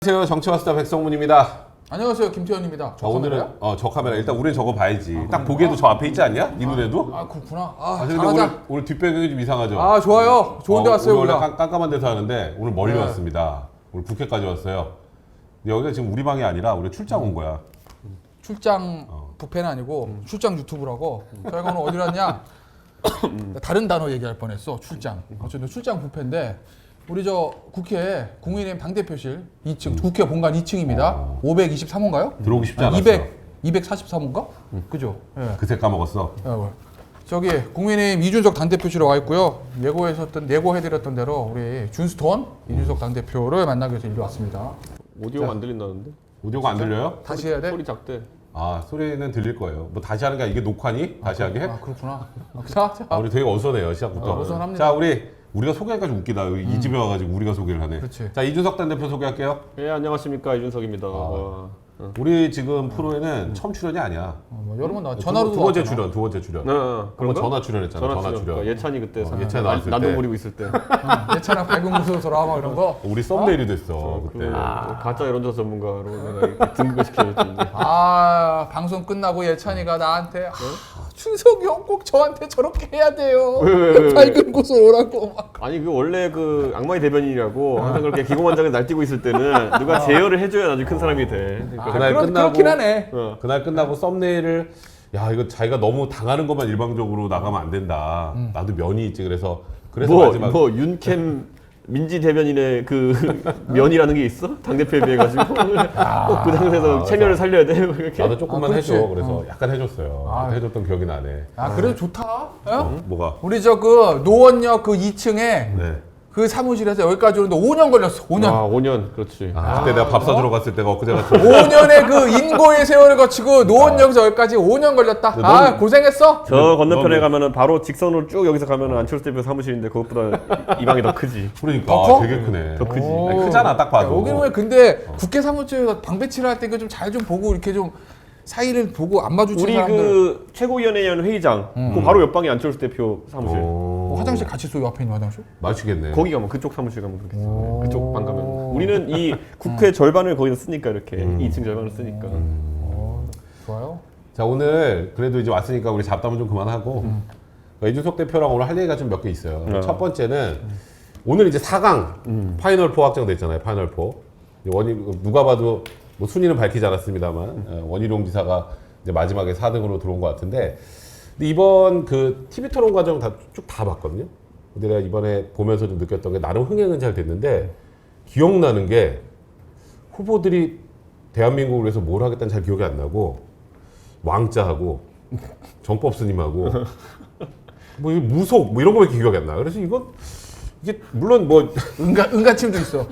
안녕하세요. 정치와스타 백성문입니다. 안녕하세요. 김태현입니다. 오늘은 저 카메라 일단 우린 저거 봐야지. 딱 보기에도 저 앞에 있지 않냐? 네 눈에도? 아 그렇구나. 근데 잘하자. 오늘 뒷배경이 좀 이상하죠? 아 좋아요. 좋은 데 왔어요. 오늘 우리가. 원래 깜깜한 데서 하는데 오늘 멀리 왔습니다. 오늘 국회까지 왔어요. 근데 여기가 지금 우리 방이 아니라 우리 출장 온 거야. 출장 부패는 아니고 출장 유튜브라고. 저희가 오늘 어디 왔냐? 다른 단어 얘기할 뻔했어. 출장. 어쨌든 출장 부패인데 우리 저 국회 국민의힘 당대표실 2층 국회 본관 2층입니다. 523호인가요? 들어오기 쉽지 않았어. 243호인가? 그죠? 예. 그새 까먹었어. 저기 국민의힘 이준석 당대표실에 와 있고요. 예고해드렸던 대로 우리 준스톤 이준석 당대표를 만나기 위해서 일로 왔습니다. 오디오가 안 들린다는데? 오디오가 안 들려요? 다시 해야 돼? 소리 작대. 소리는 들릴 거예요. 뭐 다시 하는 게 이게 녹화니? 다시 하게? 그렇구나. 자. 우리 되게 어선해요, 시작부터. 어선합니다. 자, 우리가 소개하니까 좀 웃기다. 여기 이 집에 와가지고 우리가 소개를 하네. 그렇지. 자, 이준석 당대표 소개할게요. 예, 안녕하십니까. 이준석입니다. 우리 지금 프로에는 처음 출연이 아니야. 여러 번 나와. 전화로도 두 번째 나왔잖아. 출연. 그런가? 한번 전화 출연했잖아. 전화 출연. 그러니까 예찬이 그때 예찬이 나왔을 때. 난동 부리고 있을 때. 예찬아 밝은 모습으로 돌아와 이런 거. 우리 썸네일이 됐어 그때. 가짜 여론조사 전문가로 내가 이렇게 등극을 시켜줬는데. 방송 끝나고 예찬이가 나한테 준석이 형 꼭 저한테 저렇게 해야 돼요. 왜? 밝은 곳으로 오라고 막. 아니 그 원래 그 악마의 대변인이라고 항상 그렇게 기고만장에 날뛰고 있을 때는 누가 제어를 해줘야 나중에 큰 사람이 돼. 그러니까 그날 끝나고 그렇긴 하네. 그날 끝나고 썸네일을 이거 자기가 너무 당하는 것만 일방적으로 나가면 안 된다. 나도 면이 있지. 그래서 마지막 윤캠 민지 대변인의 그 면이라는 게 있어? 당대표에 비해 가지고 꼭 그 당에서 체면을 살려야 돼. 이렇게. 나도 조금만 그렇지. 해줘. 그래서 약간 해줬어요. 그때 해줬던 기억이 나네. 그래도 좋다. 뭐가? 우리 저 그 노원역 그 2층에 네. 그 사무실에서 여기까지 오는데 5년 걸렸어. 5년. 5년. 그렇지. 그때 내가 밥 사주러 갔을 때가 엊그제 같은. 5년의 그 인고의 세월을 거치고 노원역에서 여기까지 5년 걸렸다. 고생했어. 저 건너편에 가면은 바로 직선으로 쭉 여기서 가면은 안철수 대표 사무실인데 그것보다 이 방이 더 크지. 그러니까 더 커? 되게 크네. 더 크지. 아니, 크잖아 딱 봐도. 여기는 왜 근데 국회 사무실에서 방 배치를 할 때 좀 잘 좀 보고 이렇게 좀 사이를 보고 안 마주치는 우리 사람들. 그 최고위원회위원 회의장 그 바로 옆방이 안철수 대표 사무실. 화장실 같이 써요. 앞에 있는 화장실? 맞추겠네. 거기 가면 그쪽 사무실 가면 그렇겠어. 그쪽 방 가면. 우리는 이 국회 절반을 거기서 쓰니까 이렇게 2층 절반을 쓰니까. 좋아요. 자 오늘 그래도 이제 왔으니까 우리 잡담은 좀 그만하고 이준석 대표랑 오늘 할 얘기가 좀 몇 개 있어요. 첫 번째는 오늘 이제 4강 파이널 4 확정됐잖아요. 파이널 4. 누가 봐도 뭐 순위는 밝히지 않았습니다만 원희룡 지사가 이제 마지막에 4등으로 들어온 것 같은데 근데 이번 그 TV 토론 과정 쭉 다 봤거든요. 근데 내가 이번에 보면서 좀 느꼈던 게 나름 흥행은 잘 됐는데 기억나는 게 후보들이 대한민국을 위해서 뭘 하겠다는 잘 기억이 안 나고 왕자하고 정법 스님하고 뭐 무속 뭐 이런 거밖에 기억이 안 나. 그래서 이게 물론 뭐 은가침도 있어.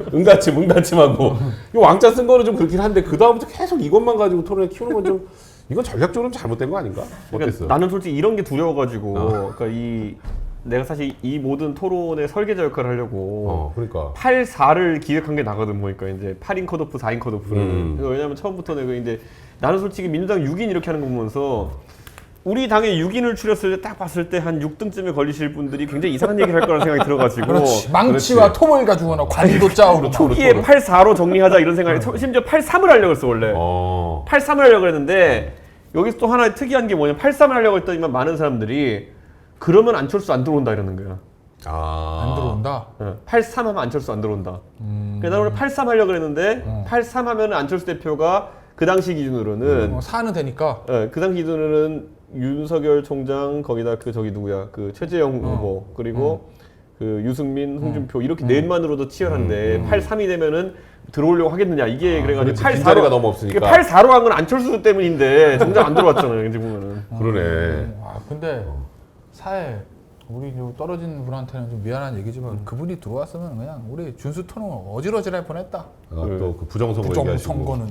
응가침하고 이 왕자 쓴 거는 좀 그렇긴 한데 그 다음부터 계속 이것만 가지고 토론을 키우는 건 좀 이건 전략적으로 좀 잘못된 거 아닌가? 그러니까 어땠어? 나는 솔직히 이런 게 두려워가지고 그러니까 내가 사실 이 모든 토론의 설계자 역할을 하려고 그러니까 8-4를 기획한 게 나거든. 보니까 이제 8인 컷오프, 4인 컷오프를. 왜냐면 처음부터 내가 이제 나는 솔직히 민주당 6인 이렇게 하는 거 보면서 우리 당에 6인을 추렸을 때 딱 봤을 때 한 6등쯤에 걸리실 분들이 굉장히 이상한 얘기를 할 거라는 생각이 들어가지고 그렇지. 망치와 톰을 가지고 나 관도 짜오고 초기에 8-4로 정리하자 이런 생각이 심지어 8-3을 하려고 했어 원래. 8-3을 하려고 했는데 여기서 또 하나 특이한 게 뭐냐면 8-3을 하려고 했더니만 많은 사람들이 그러면 안철수 안 들어온다 이러는 거야. 안 들어온다. 8-3 하면 안철수 안 들어온다. 그래서 나는 원래 8-3 하려고 했는데 8-3 하면 안철수 대표가 그 당시 기준으로는 4는 되니까. 그 당시 기준으로는 윤석열 총장 거기다 그 저기 누구야 그 최재형 후보 그리고 그 유승민 홍준표 이렇게 넷만으로도 치열한데 8-3이 되면은 들어오려고 하겠느냐 이게 그래가지고 8-4가 너무 없으니까 8-4로 한 건 안철수 때문인데 정작 안 들어왔잖아요. 이제 보면은 그러네. 근데 사회 우리 떨어진 분한테는 좀 미안한 얘기지만 그분이 들어왔으면 그냥 우리 준수토는 어질어질할 뻔했다. 또 그 부정선거 얘기하시고 부정선거는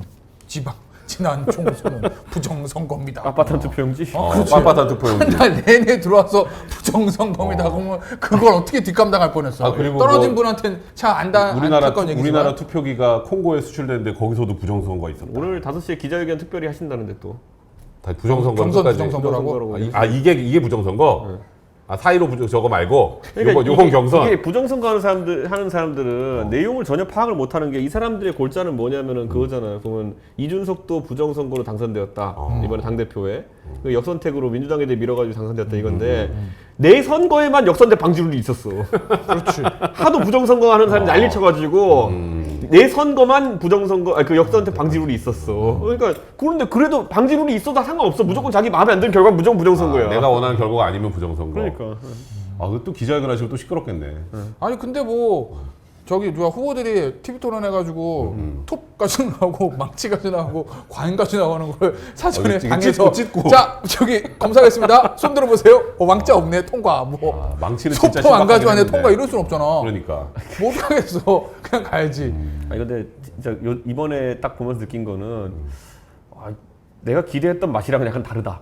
지난 총선은 부정선거입니다. 빳빳한 투표용지. 그렇지. 빳빳한 투표용지. 한 달 내내 들어와서 부정선거입니다. 그러면 그걸 어떻게 뒷감당할 뻔했어. 그리고 떨어진 분한테는 참 안타까운 얘기지만 우리나라 투표기가 콩고에 수출되는데 거기서도 부정선거가 있었다. 오늘 5시에 기자회견 특별히 하신다는데 또. 다 부정선거 경선 끝까지. 부정선거라고. 이게 부정선거? 아, 4.15 저거 말고 그러니까 요번 경선. 이게 부정선거 하는 사람들은 내용을 전혀 파악을 못하는 게 이 사람들의 골자는 뭐냐면은 그거잖아요. 보면 이준석도 부정선거로 당선되었다. 이번에 당대표에 그 역선택으로 민주당에 대해 밀어가지고 당선되었다 이건데 내 선거에만 역선택 방지룰이 있었어. 그렇지. 하도 부정선거 하는 사람이 난리 쳐가지고 내 선거만 부정선거 그 역선택 방지룰이 있었어. 그러니까 그런데 그래도 방지룰이 있어도 상관없어. 무조건 자기 마음에 안 드는 결과 무조건 부정선거야. 내가 원하는 결과가 아니면 부정선거. 그러니까. 아, 또 기자회견 하시고 또 시끄럽겠네. 아니 근데 뭐 저기 누가 후보들이 TV 토론 해가지고 톱까지 나오고 망치까지 나오고 과잉까지 나오는 걸 사전에 이거 방에서 찢고. 자 저기 검사하겠습니다. 손 들어보세요. 왕자 없네 통과. 뭐 망치는 진짜 소품 안 신박하긴 가져왔네 했는데. 통과 이럴 순 없잖아. 그러니까. 뭐 어떡하겠어. 그냥 가야지. 아니 근데 진짜 이번에 딱 보면서 느낀 거는 아, 내가 기대했던 맛이랑은 약간 다르다.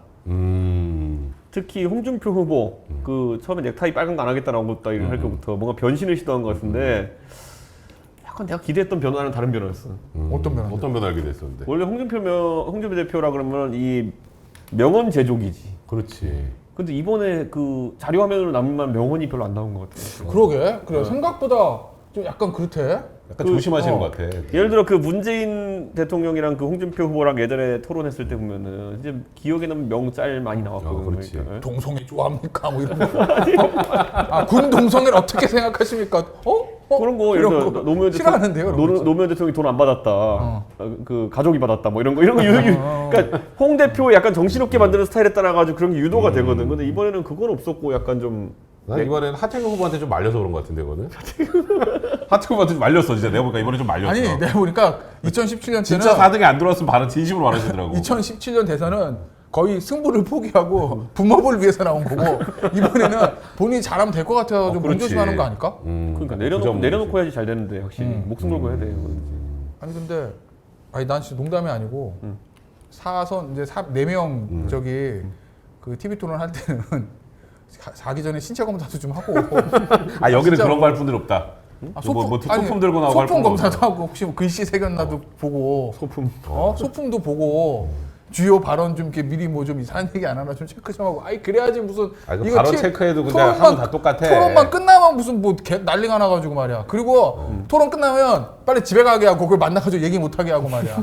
특히 홍준표 후보 그 처음에 넥타이 빨간 거 안 하겠다라고 했다 할 것부터 뭔가 변신을 시도한 것 같은데 약간 내가 기대했던 변화는 다른 변화였어. 어떤 변화? 어떤 변화 알게 됐었는데. 원래 홍준표 대표라 그러면 이 명언 제조기지. 그렇지. 근데 이번에 그 자료 화면으로 남만 명언이 별로 안 나온 것 같아. 그러게. 그래 생각보다 좀 약간 그렇대. 약간 조심하시는 것 같아. 예를 들어 그 문재인 대통령이랑 그 홍준표 후보랑 예전에 토론했을 때 보면은 이제 기억에 남는 명짤 많이 나왔거든. 그렇지. 그러니까. 동성애 좋아합니까? 뭐 이런 거. 아, 군 동성애를 어떻게 생각하십니까? 그런 거 예를 들어 노무현 싫어하는데요. 노무현 대통령이 돈 안 받았다. 그 가족이 받았다. 뭐 이런 거 그러니까 홍 대표 약간 정신없게 만드는 스타일에 따라 가지고 그런 게 유도가 되거든. 근데 이번에는 그건 없었고 약간 좀 난 이번에는 하태경 후보한테 좀 말려서 그런 것 같은데 이거는. 하태경 후보한테 좀 말렸어 진짜. 내가 보니까 이번에 좀 말렸어. 아니 내가 보니까 2017년 진짜 때는 4등에 안 들어왔으면 발언 진심으로 말하시더라고. 2017년 대선은 거의 승부를 포기하고 분업을 위해서 나온 거고 이번에는 본인이 잘하면 될 것 같아서 좀 그렇지. 문조심하는 거 아닐까? 그러니까 부정 내려놓고 해야지 잘 되는데 확실히 목숨 걸고 해야 돼. 아니 근데 아니 난 진짜 농담이 아니고 사선 이제 4명 저기 그 TV 토론 할 때는 자기 전에 신체 검사도 좀 하고 아 여기는 진짜 그런 거 할 분들 없다. 아, 뭐 소품 들고 나오고 할 소품 분들 검사도 없다. 하고 혹시 뭐 글씨 새겼나도 보고 소품. 소품도 보고 주요 발언 좀 이렇게 미리 뭐 좀 이상한 얘기 안 하나 좀 체크 좀 하고 아이 그래야지 무슨 그 발언 체크해도 근데 토론만- 하면 다 똑같아. 토론만 끝나면 무슨 뭐 난리가 나가지고 말이야. 그리고 토론 끝나면 빨리 집에 가게 하고 그걸 만나가지고 얘기 못 하게 하고 말이야.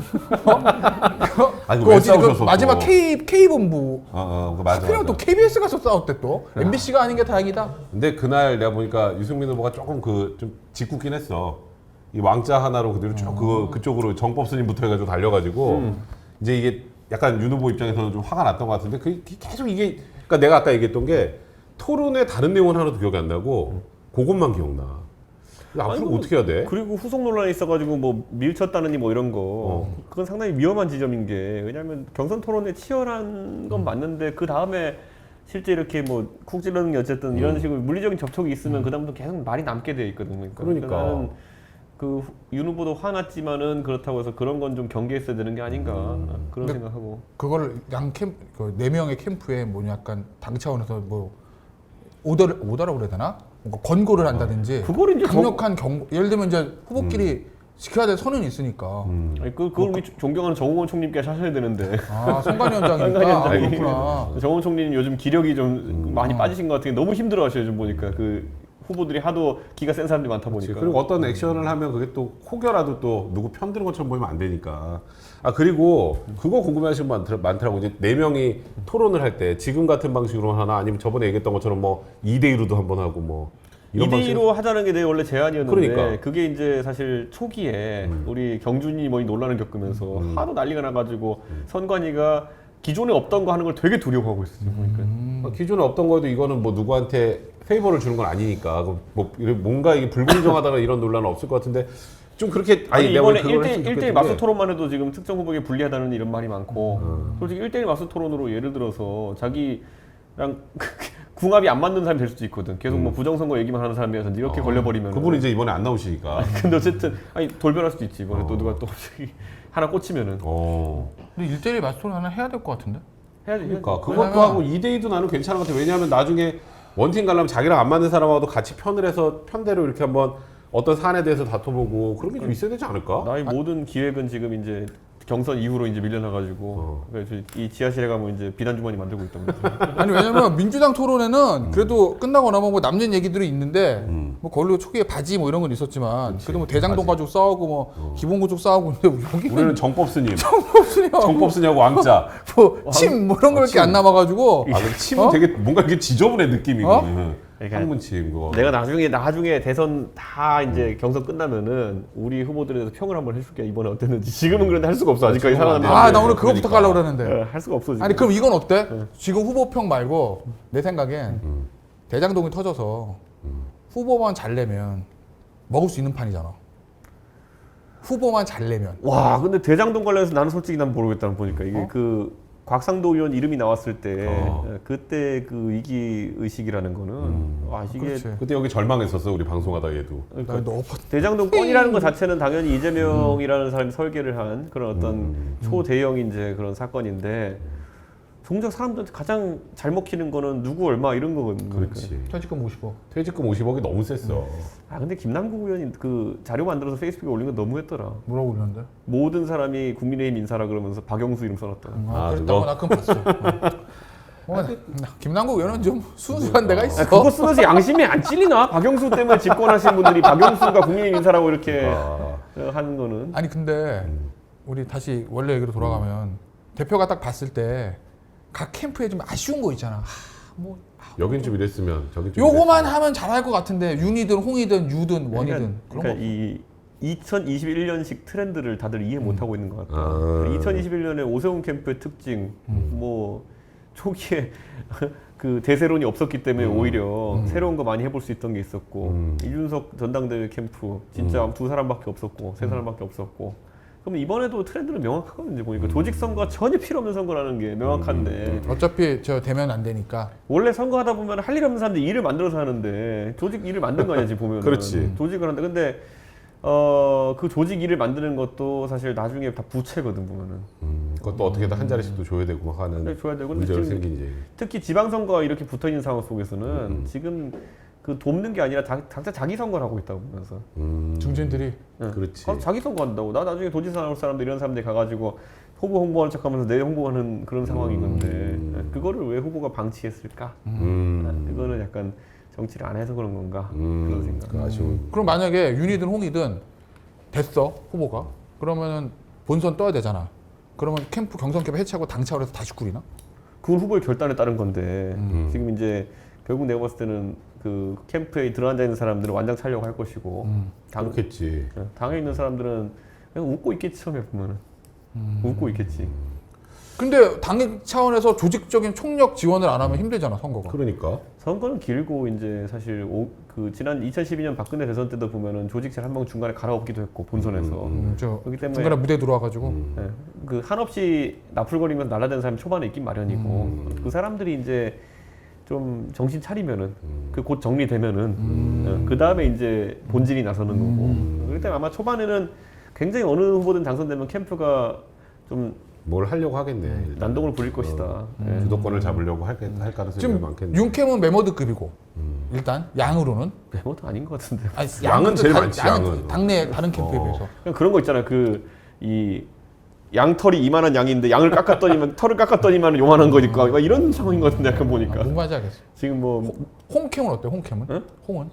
아니, 그 왜 어디 그 싸우셨어, 또? 마지막 K 본부 그거 맞아. 하필이면 또 KBS 가서 싸웠대 또. MBC가 아닌 게 다행이다. 근데 그날 내가 보니까 유승민 후보가 조금 그 좀 짓궂긴 했어. 이 왕자 하나로 그대로 쭉 그쪽으로 정법 스님부터 해가지고 달려가지고 이제 이게 약간 윤 후보 입장에서는 좀 화가 났던 것 같은데 그 계속 이게 그러니까 내가 아까 얘기했던 게 토론의 다른 내용은 하나도 기억이 안 나고 그것만 기억나. 근데 앞으로 아이고, 어떻게 해야 돼? 그리고 후속 논란이 있어가지고 뭐 밀쳤다느니 뭐 이런 거 그건 상당히 위험한 지점인 게 왜냐하면 경선 토론에 치열한 건 맞는데 그 다음에 실제 이렇게 뭐 쿡 찌르는 게 어쨌든 이런 식으로 물리적인 접촉이 있으면 그 다음부터 계속 말이 남게 돼 있거든. 그러니까. 나는 그 윤 후보도 화났지만은 그렇다고 해서 그런 건 좀 경계했어야 되는 게 아닌가 그런 근데 생각하고. 그거를 네 명의 캠프에 뭐 약간 당 차원에서 뭐 오더라고 그래야 되나? 뭔가 권고를 한다든지 그걸 이제 강력한 경고. 예를 들면 이제 후보끼리 지켜야 될 선은 있으니까. 아니 그걸 우리 존경하는 정홍원 총님께서 하셔야 되는데. 아 선관위원장이니까. 선관위원장이. 그렇구나. 정원 총리는 요즘 기력이 좀 많이 빠지신 것 같은 게 너무 힘들어하셔요. 좀 보니까 그 후보들이 하도 기가 센 사람들이 많다 보니까. 그리고 어떤 액션을 하면 그게 또 혹여라도 또 누구 편드는 것처럼 보이면 안 되니까. 아 그리고 그거 궁금해하시는 분 많더라고. 이제 4명이 토론을 할 때 지금 같은 방식으로 하나 아니면 저번에 얘기했던 것처럼 뭐 2대2로도 한번 하고 뭐 이런 2대2로 하자는 게 내 원래 제안이었는데 그러니까. 그게 이제 사실 초기에 우리 경준이 뭐 이 논란을 겪으면서 하도 난리가 나가지고 선관위가 기존에 없던 거 하는 걸 되게 두려워하고 있었어요. 보니까. 기존에 없던 거에도 이거는 뭐 누구한테 페이버를 주는 건 아니니까 뭐 뭔가 이게 불공정하다는 이런 논란은 없을 것 같은데 좀 그렇게 아니 내가 이번에 그걸 했으면 1대1 좋겠던 맞서 게 토론만 해도 지금 특정 후보에게 불리하다는 이런 말이 많고 솔직히 1대1 맞서 토론으로 예를 들어서 자기랑 궁합이 안 맞는 사람이 될 수도 있거든. 계속 뭐 부정선거 얘기만 하는 사람이라서 이렇게 걸려버리면 그분이 이제 이번에 안 나오시니까. 근데 어쨌든 아니 돌변할 수도 있지. 이번에 또 누가 또 갑자기 하나 꽂히면은 근데 1대1 맞서 토론 하나 해야 될 것 같은데? 해야지. 그러니까 해야지. 그것도 하고 2대2도 나는 괜찮은 것 같아. 왜냐하면 나중에 원팀 가려면 자기랑 안 맞는 사람하고도 같이 편을 해서 편대로 이렇게 한번 어떤 사안에 대해서 다퉈보고 그런 게 좀 있어야 되지 않을까? 나의 모든 기획은 지금 이제 경선 이후로 이제 밀려나가지고 그래서 이 지하실에 가면 이제 비단 주머니 만들고 있던 거죠. 아니 왜냐면 민주당 토론회는 그래도 끝나고 나면 뭐 남는 얘기들이 있는데 뭐 걸로 초기에 바지 뭐 이런 건 있었지만 그래도 뭐 대장동 가지고 싸우고 뭐 기본구축 싸우고 있는데 여기는 우리는 정법 스님, 정법순이하고 정법 스님하고 왕자. 뭐침 뭐 이런 거밖에 안 남아가지고 아, 근데 침은 되게 뭔가 이렇게 지저분해 느낌이거든. 그러니까 한문침 그거. 내가 나중에 대선 다 이제 경선 끝나면은 우리 후보들에 대해서 평을 한번 해줄게. 이번에 어땠는지. 지금은 그런데 할 수가 없어. 아직까지 살아남는. 아 나 오늘 그거부터 그러니까. 가려고 그러는데 할 수가 없어. 지금. 아니 그럼 이건 어때? 지금 후보평 말고 내 생각엔 대장동이 터져서 후보만 잘 내면 먹을 수 있는 판이잖아. 후보만 잘 내면. 와, 근데 대장동 관련해서 나는 솔직히 난 모르겠다는 보니까 이게 그 곽상도 의원 이름이 나왔을 때 그때 그 위기 의식이라는 거는 와 이게 그렇지. 그때 여기 절망했었어 우리 방송하다 얘도. 나 너 대장동 건이라는 것 자체는 당연히 이재명이라는 사람이 설계를 한 그런 어떤 초대형 이제 그런 사건인데 정작 사람들한테 가장 잘 먹히는 거는 누구 얼마 이런 거거든요. 그렇지. 퇴직금 50억. 퇴직금 50억이 너무 셌어. 아 근데 김남국 의원이 그 자료 만들어서 페이스북에 올린 건 너무했더라. 뭐라고 그러는데? 모든 사람이 국민의힘 인사라 그러면서 박영수 이름 써놨더라. 아, 그랬다고 그거? 나 그건 봤어. 김남국 의원은 좀 순수한 데가 있어. 아, 그거 쓰면서 양심이 안 찔리나? 박영수 때문에 집권하신 분들이 박영수가 국민의힘 인사라고 이렇게 하는 거는. 아니 근데 우리 다시 원래 얘기로 돌아가면 대표가 딱 봤을 때 각 캠프에 좀 아쉬운 거 있잖아. 뭐 여긴 좀 이랬으면 저긴 좀 요거만 하면 잘할 것 같은데 윤이든 홍이든 유든 원이든 그런 그러니까 거. 이 2021년식 트렌드를 다들 이해 못 하고 있는 것 같아. 아. 2021년에 오세훈 캠프의 특징, 뭐 초기에 그 대세론이 없었기 때문에 오히려 새로운 거 많이 해볼 수 있던 게 있었고 이준석 전당대회 캠프 진짜 두 사람밖에 없었고 세 사람밖에 없었고. 그럼 이번에도 트렌드는 명확하거든요. 보니까 조직 선거가 전혀 필요 없는 선거라는 게 명확한데 어차피 저 되면 안 되니까. 원래 선거하다 보면 할 일 없는 사람들이 일을 만들어서 하는데 조직 일을 만든 거 아니야 지금 보면. 그렇지. 조직을 하는데 근데 그 조직 일을 만드는 것도 사실 나중에 다 부채거든 보면은. 그것도 어떻게든 한 자리씩도 줘야 되고 막 하는 네, 줘야 되고 근데 문제가 지금 생긴 이제. 특히 지방선거가 이렇게 붙어 있는 상황 속에서는 지금 그 돕는 게 아니라 각자 자기 선거를 하고 있다고 보면서. 중진들이 그렇지. 가서 자기 선거 한다고. 나 나중에 도지사 나올 사람들 이런 사람들이 가가지고 후보 홍보하는 척하면서 내 홍보하는 그런 상황인 건데 그거를 왜 후보가 방치했을까? 그거는 약간 정치를 안 해서 그런 건가 그런 생각. 아쉬운. 그럼 만약에 윤이든 홍이든 됐어 후보가 그러면은 본선 떠야 되잖아. 그러면 캠프 경선 캠프 해체하고 당 차원에서 다시 꾸리나? 그건 후보의 결단에 따른 건데 지금 이제 결국 내가 봤을 때는 그 캠프에 들어앉아 있는 사람들은 완장 차려고 할 것이고 그렇겠지. 당에 있는 사람들은 그냥 웃고 있겠지 처음에 보면은 웃고 있겠지. 근데 당 차원에서 조직적인 총력 지원을 안 하면 힘들잖아 선거가. 그러니까. 선거는 길고 이제 사실 그 지난 2012년 박근혜 대선 때도 보면은 조직실 한 명 중간에 갈아엎기도 했고 본선에서 저 그렇기 때문에 중간에 무대 들어와가지고 네, 그 한없이 나풀거리면서 날아다니는 사람이 초반에 있긴 마련이고 그 사람들이 이제 좀 정신 차리면은 그 곧 정리되면은 그 다음에 이제 본진이 나서는 거고 그렇기 때문에 아마 초반에는 굉장히 어느 후보든 당선되면 캠프가 좀 뭘 하려고 하겠네. 난동을 부릴 것이다. 예. 주도권을 잡으려고 할 가능성이 지금 많겠네. 윤캠은 메모드급이고 일단 양으로는 메모도 아닌 것 같은데. 아니, 양은 제일 다- 많지, 양은. 당내 다른 캠프에 비해서. 그냥 그런 거 있잖아요. 이 양털이 이만한 양인데 양을 깎았더니만 털을 깎았더니만 요만한 거니까 막 이런 상황인 것 같은데 약간 보니까 뭔 말인지 알겠어. 지금 뭐 홍캠은 어때? 홍캠은? 응? 홍은?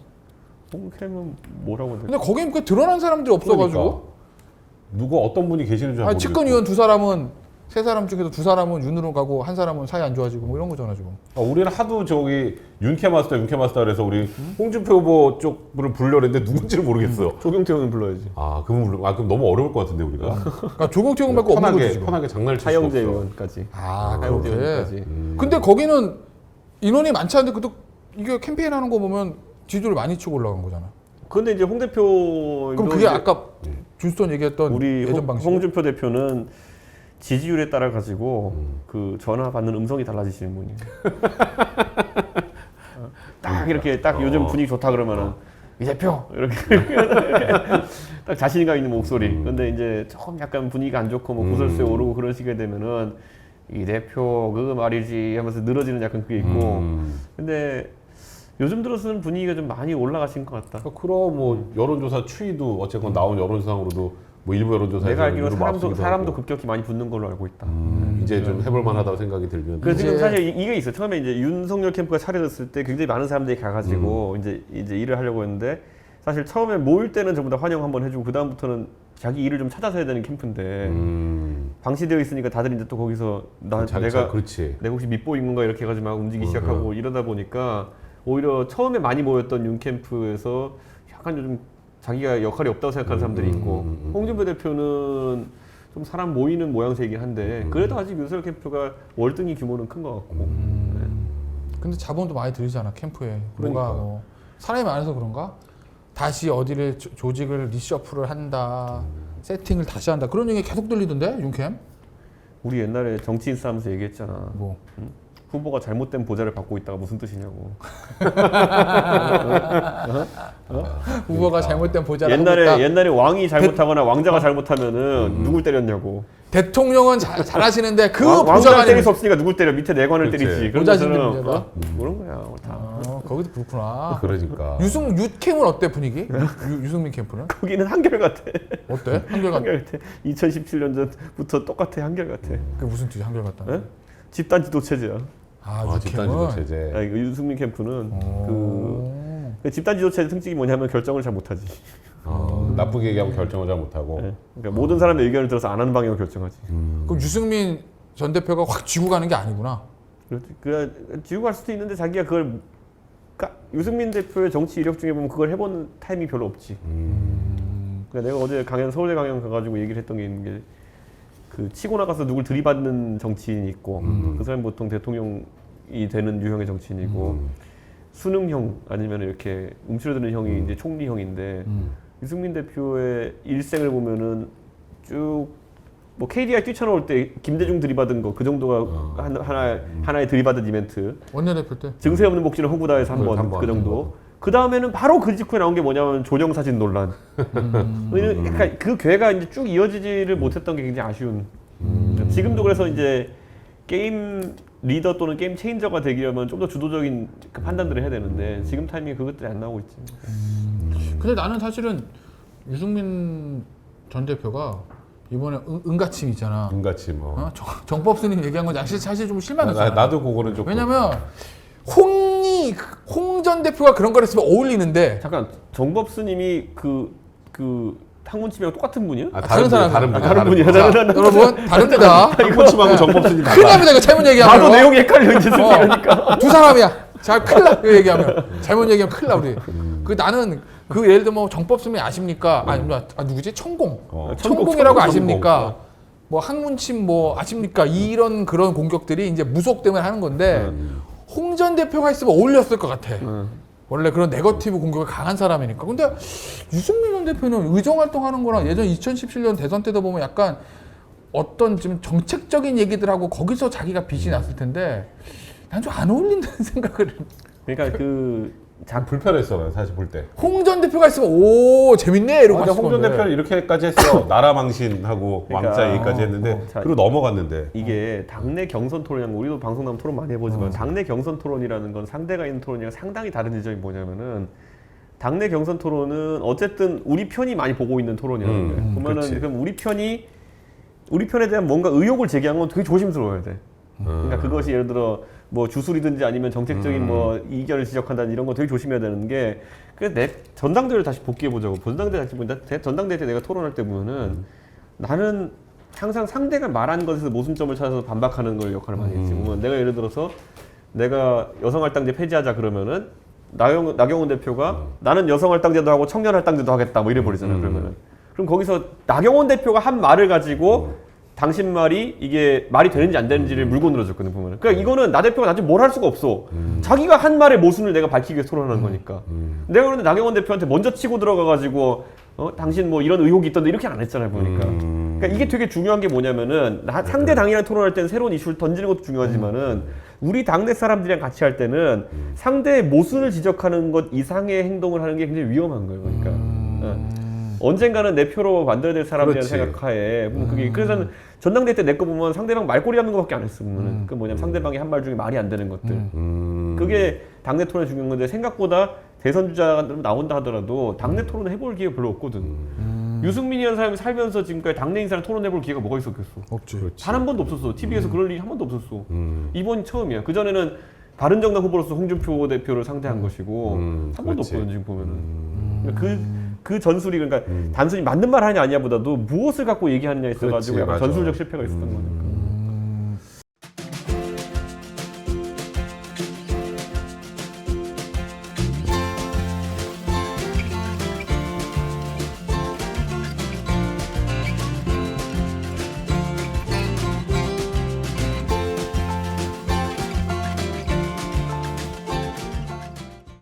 홍캠은 뭐라고 해야 근데 거긴 그 드러난 사람들이 없어가지고. 그러니까. 누구 어떤 분이 계시는지 잘 아니, 모르겠고. 측근 의원 두 사람은 세 사람 중에서 두 사람은 윤으로 가고 한 사람은 사이 안 좋아지고 뭐 이런 거잖아 지금. 우리는 하도 저기 윤캐마스터 그래서 우리 홍준표 후보 쪽 분을 부르려고 했는데 누군지를 모르겠어. 조경태 의원 불러야지. 그럼 너무 어려울 것 같은데 우리가. 그러니까 조경태 의원밖에 없는 거지 지금. 편하게 장난을 칠 수 차영재 없어. 의원까지. 아 차영재 그렇게. 의원까지. 근데 거기는 인원이 많지 않은데 그래도 이게 캠페인하는 거 보면 지지율 많이 치고 올라간 거잖아. 근데 이제 홍 대표 그럼 그게 아까 준스톤 얘기했던 우리 예전 방식. 홍준표 대표는 지지율에 따라 가지고 그 전화 받는 음성이 달라지시는 분이에요. 딱 이렇게 딱 요즘 분위기 좋다 그러면은 이 대표 이렇게 딱 자신감 있는 목소리. 근데 이제 조금 약간 분위기가 안 좋고 뭐 구설수에 오르고 그런 식이 되면은 이 대표 그 말이지 하면서 늘어지는 약간 그게 있고. 근데 요즘 들어서는 분위기가 좀 많이 올라가신 것 같다. 그럼 뭐 여론조사 추이도 어쨌건 나온 여론조사상으로도 뭐 일부 여론조사에서 내가 알기로 유를 뭐 앞서기도 사람도 하고. 급격히 많이 붙는 걸로 알고 있다. 이제 좀 해볼 만하다고 생각이 들면. 그래서 지금 이제- 사실 이게 있어요. 처음에 이제 윤석열 캠프가 차려졌을 때 굉장히 많은 사람들이 가가지고 이제 일을 하려고 했는데 사실 처음에 모일 때는 전부 다 환영 한번 해주고 그 다음부터는 자기 일을 좀 찾아서 해야 되는 캠프인데 방치되어 있으니까 다들 이제 또 거기서 그렇지. 내가 혹시 밑보인 건가 이렇게 해가지고 막 움직이기 시작하고 이러다 보니까 오히려 처음에 많이 모였던 윤 캠프에서 약간 좀 자기가 역할이 없다고 생각하는 사람들이 있고 홍준표 대표는 좀 사람 모이는 모양새이긴 한데 그래도 아직 윤석열 캠프가 월등히 규모는 큰 것 같고 네. 근데 자본도 많이 들이잖아 캠프에. 그러니까. 뭐가 뭐 사람이 많아서 그런가? 다시 어디를 조직을 리셔플을 한다. 세팅을 다시 한다. 그런 얘기 계속 들리던데 윤캠? 우리 옛날에 정치인 싸움에서 얘기했잖아. 뭐 후보가 잘못된 보좌를 받고 있다가 무슨 뜻이냐고. 후보가 잘못된 보좌를 하고 있다. 옛날에 왕이 잘못하거나 왕자가 잘못하면은 누굴 때렸냐고. 대통령은 잘하시는데 그 왕자를 보좌관이 때릴 수 없으니까 누굴 때려? 밑에 내관을 그치. 때리지. 그런 보좌진들 것처럼 문제다. 그런 거야. 다. 거기도 그렇구나. 그러니까. 유캠은 어때 분위기? 유승민 캠프는 거기는 한결같아. 어때? 한결같. 한결같아. 2017년 전부터 똑같아. 한결같아. 그 무슨 뜻이 한결같다? 에? 집단 지도 체제야. 아, 집단 지도 유캠은. 체제. 아니, 그 윤승민 캠프는 오. 그 집단 지도 체제 특징이 뭐냐면 결정을 잘 못하지. 나쁘게 얘기하면 결정을 잘 못하고. 네. 그러니까 모든 사람의 의견을 들어서 안 하는 방향으로 결정하지. 그럼 유승민 전 대표가 확 쥐고 가는 게 아니구나. 그렇지. 그 지우고 갈 수도 있는데 자기가 그걸 그러니까 유승민 대표의 정치 이력 중에 보면 그걸 해본 타임이 별로 없지. 그러니까 내가 어제 서울대 강연 가가지고 얘기를 했던 게 있는 게 그 치고 나가서 누굴 들이받는 정치인이 있고 그 사람이 보통 대통령이 되는 유형의 정치인이고 수능형 아니면 이렇게 움츠러드는 형이 이제 총리형인데 유승민 대표의 일생을 보면은 쭉 뭐 KDI 뛰쳐나올 때 김대중 들이받은 거 그 정도가 하나의 들이받은 이벤트. 원내대표 때. 증세 없는 복지는 허구다에서 한 한 번 번. 그 정도. 그 다음에는 바로 그 직후에 나온 게 뭐냐면 조정 사진 논란. 그러니까 그 괴가 이제 쭉 이어지지를 못했던 게 굉장히 아쉬운. 지금도 그래서 이제 게임 리더 또는 게임 체인저가 되려면 좀 더 주도적인 그 판단들을 해야 되는데 지금 타이밍에 그것들이 안 나오고 있지. 근데 나는 사실은 유승민 전 대표가 이번에 은가침 있잖아. 눈같이 뭐. 어? 정법 스님 얘기한 건 사실 좀 실망했어. 나도 그거는 조금. 왜냐면 홍 전 대표가 그런 걸 했으면 어울리는데 잠깐 정법 스님이 그 항문침이랑 똑같은 분이야? 다른 사람. 다른 분이야. 자, 여러분 다릅니다. 한코치하고 정법스님 큰일 납니다. 이거 잘못 얘기하면. 나도 내용이 헷갈려 이제 이러니까. 두 사람이야. 잘 큰일 나. 이거 얘기하면. 잘못 얘기하면 큰일 나 우리. 그 나는 그 예를 들면 뭐 정법스님 아십니까? 누구지? 천공. 천공이라고 아십니까? 뭐 항문침 뭐 아십니까? 이런 그런 공격들이 이제 무속 때문에 하는 건데 홍 전 대표가 있으면 어울렸을 것 같아. 원래 그런 네거티브 공격이 강한 사람이니까. 근데 유승민 전 대표는 의정 활동하는 거랑 예전 2017년 대선 때도 보면 약간 어떤 지금 정책적인 얘기들하고 거기서 자기가 빛이 났을 텐데 난 좀 안 어울린다는 생각을. 그러니까 불편했어 난 사실 볼 때. 홍 전 대표가 있으면 오 재밌네 이러고 근데 봤을 홍 전 건데. 대표는 이렇게까지 했어. 나라 망신하고 그러니까, 왕자 얘기까지 했는데 자, 그리고 넘어갔는데. 이게 당내 경선 토론이랑 우리도 방송 나면 토론 많이 해보지만 당내 경선 토론이라는 건 상대가 있는 토론이랑 상당히 다른 지점이 뭐냐면은 당내 경선 토론은 어쨌든 우리 편이 많이 보고 있는 토론이라는 거예요. 보면은 그치. 그럼 우리 편에 대한 뭔가 의혹을 제기한 건 되게 조심스러워야 돼. 그러니까 그것이 예를 들어 뭐 주술이든지 아니면 정책적인 뭐 이견을 지적한다는 이런 거 되게 조심해야 되는 게 그래서 내 전당대회를 다시 복귀해 보자고. 전당대회 다시 보면 전당대회 때 내가 토론할 때 보면은 나는 항상 상대가 말한 것에서 모순점을 찾아서 반박하는 걸 역할을 많이 했지. 보면 내가 예를 들어서 내가 여성할당제 폐지하자 그러면은 나경원 대표가 나는 여성할당제도 하고 청년할당제도 하겠다 뭐 이래 버리잖아요. 그러면은 그럼 거기서 나경원 대표가 한 말을 가지고 당신 말이 이게 말이 되는지 안 되는지를 물고 늘어졌거든 보면은. 그러니까 이거는 나 대표가 나한테 뭘 할 수가 없어. 자기가 한 말의 모순을 내가 밝히기 위해서 토론하는 거니까. 내가 그런데 나경원 대표한테 먼저 치고 들어가가지고 당신 뭐 이런 의혹이 있던데 이렇게 안 했잖아요 보니까. 그러니까 이게 되게 중요한 게 뭐냐면은 상대 당이랑 토론할 때는 새로운 이슈를 던지는 것도 중요하지만은 우리 당내 사람들이랑 같이 할 때는 상대의 모순을 지적하는 것 이상의 행동을 하는 게 굉장히 위험한 거예요. 그러니까. 언젠가는 내 표로 만들어야 될 사람이라는 그렇지. 생각하에 그게 그래서 전당대회 때 내 거 보면 상대방 말꼬리 잡는 거밖에 안 했어. 그 뭐냐면 상대방이 한 말 중에 말이 안 되는 것들. 그게 당내 토론에 중요한 건데 생각보다 대선 주자가 나온다 하더라도 당내 토론을 해볼 기회가 별로 없거든. 유승민이라는 사람이 살면서 지금까지 당내 인사를 토론해볼 기회가 뭐가 있었겠어? 없지. 그렇지. 단 한 번도 없었어. TV에서 그럴 일이 한 번도 없었어. 이번이 처음이야. 그 전에는 바른정당 후보로서 홍준표 대표를 상대한 것이고 한 번도 그렇지. 없거든 지금 보면은. 그 전술이 그러니까 단순히 맞는 말 하냐 아니냐보다도 무엇을 갖고 얘기하느냐에 있어가지고 그렇지, 약간 맞아. 전술적 실패가 있었던 거니까.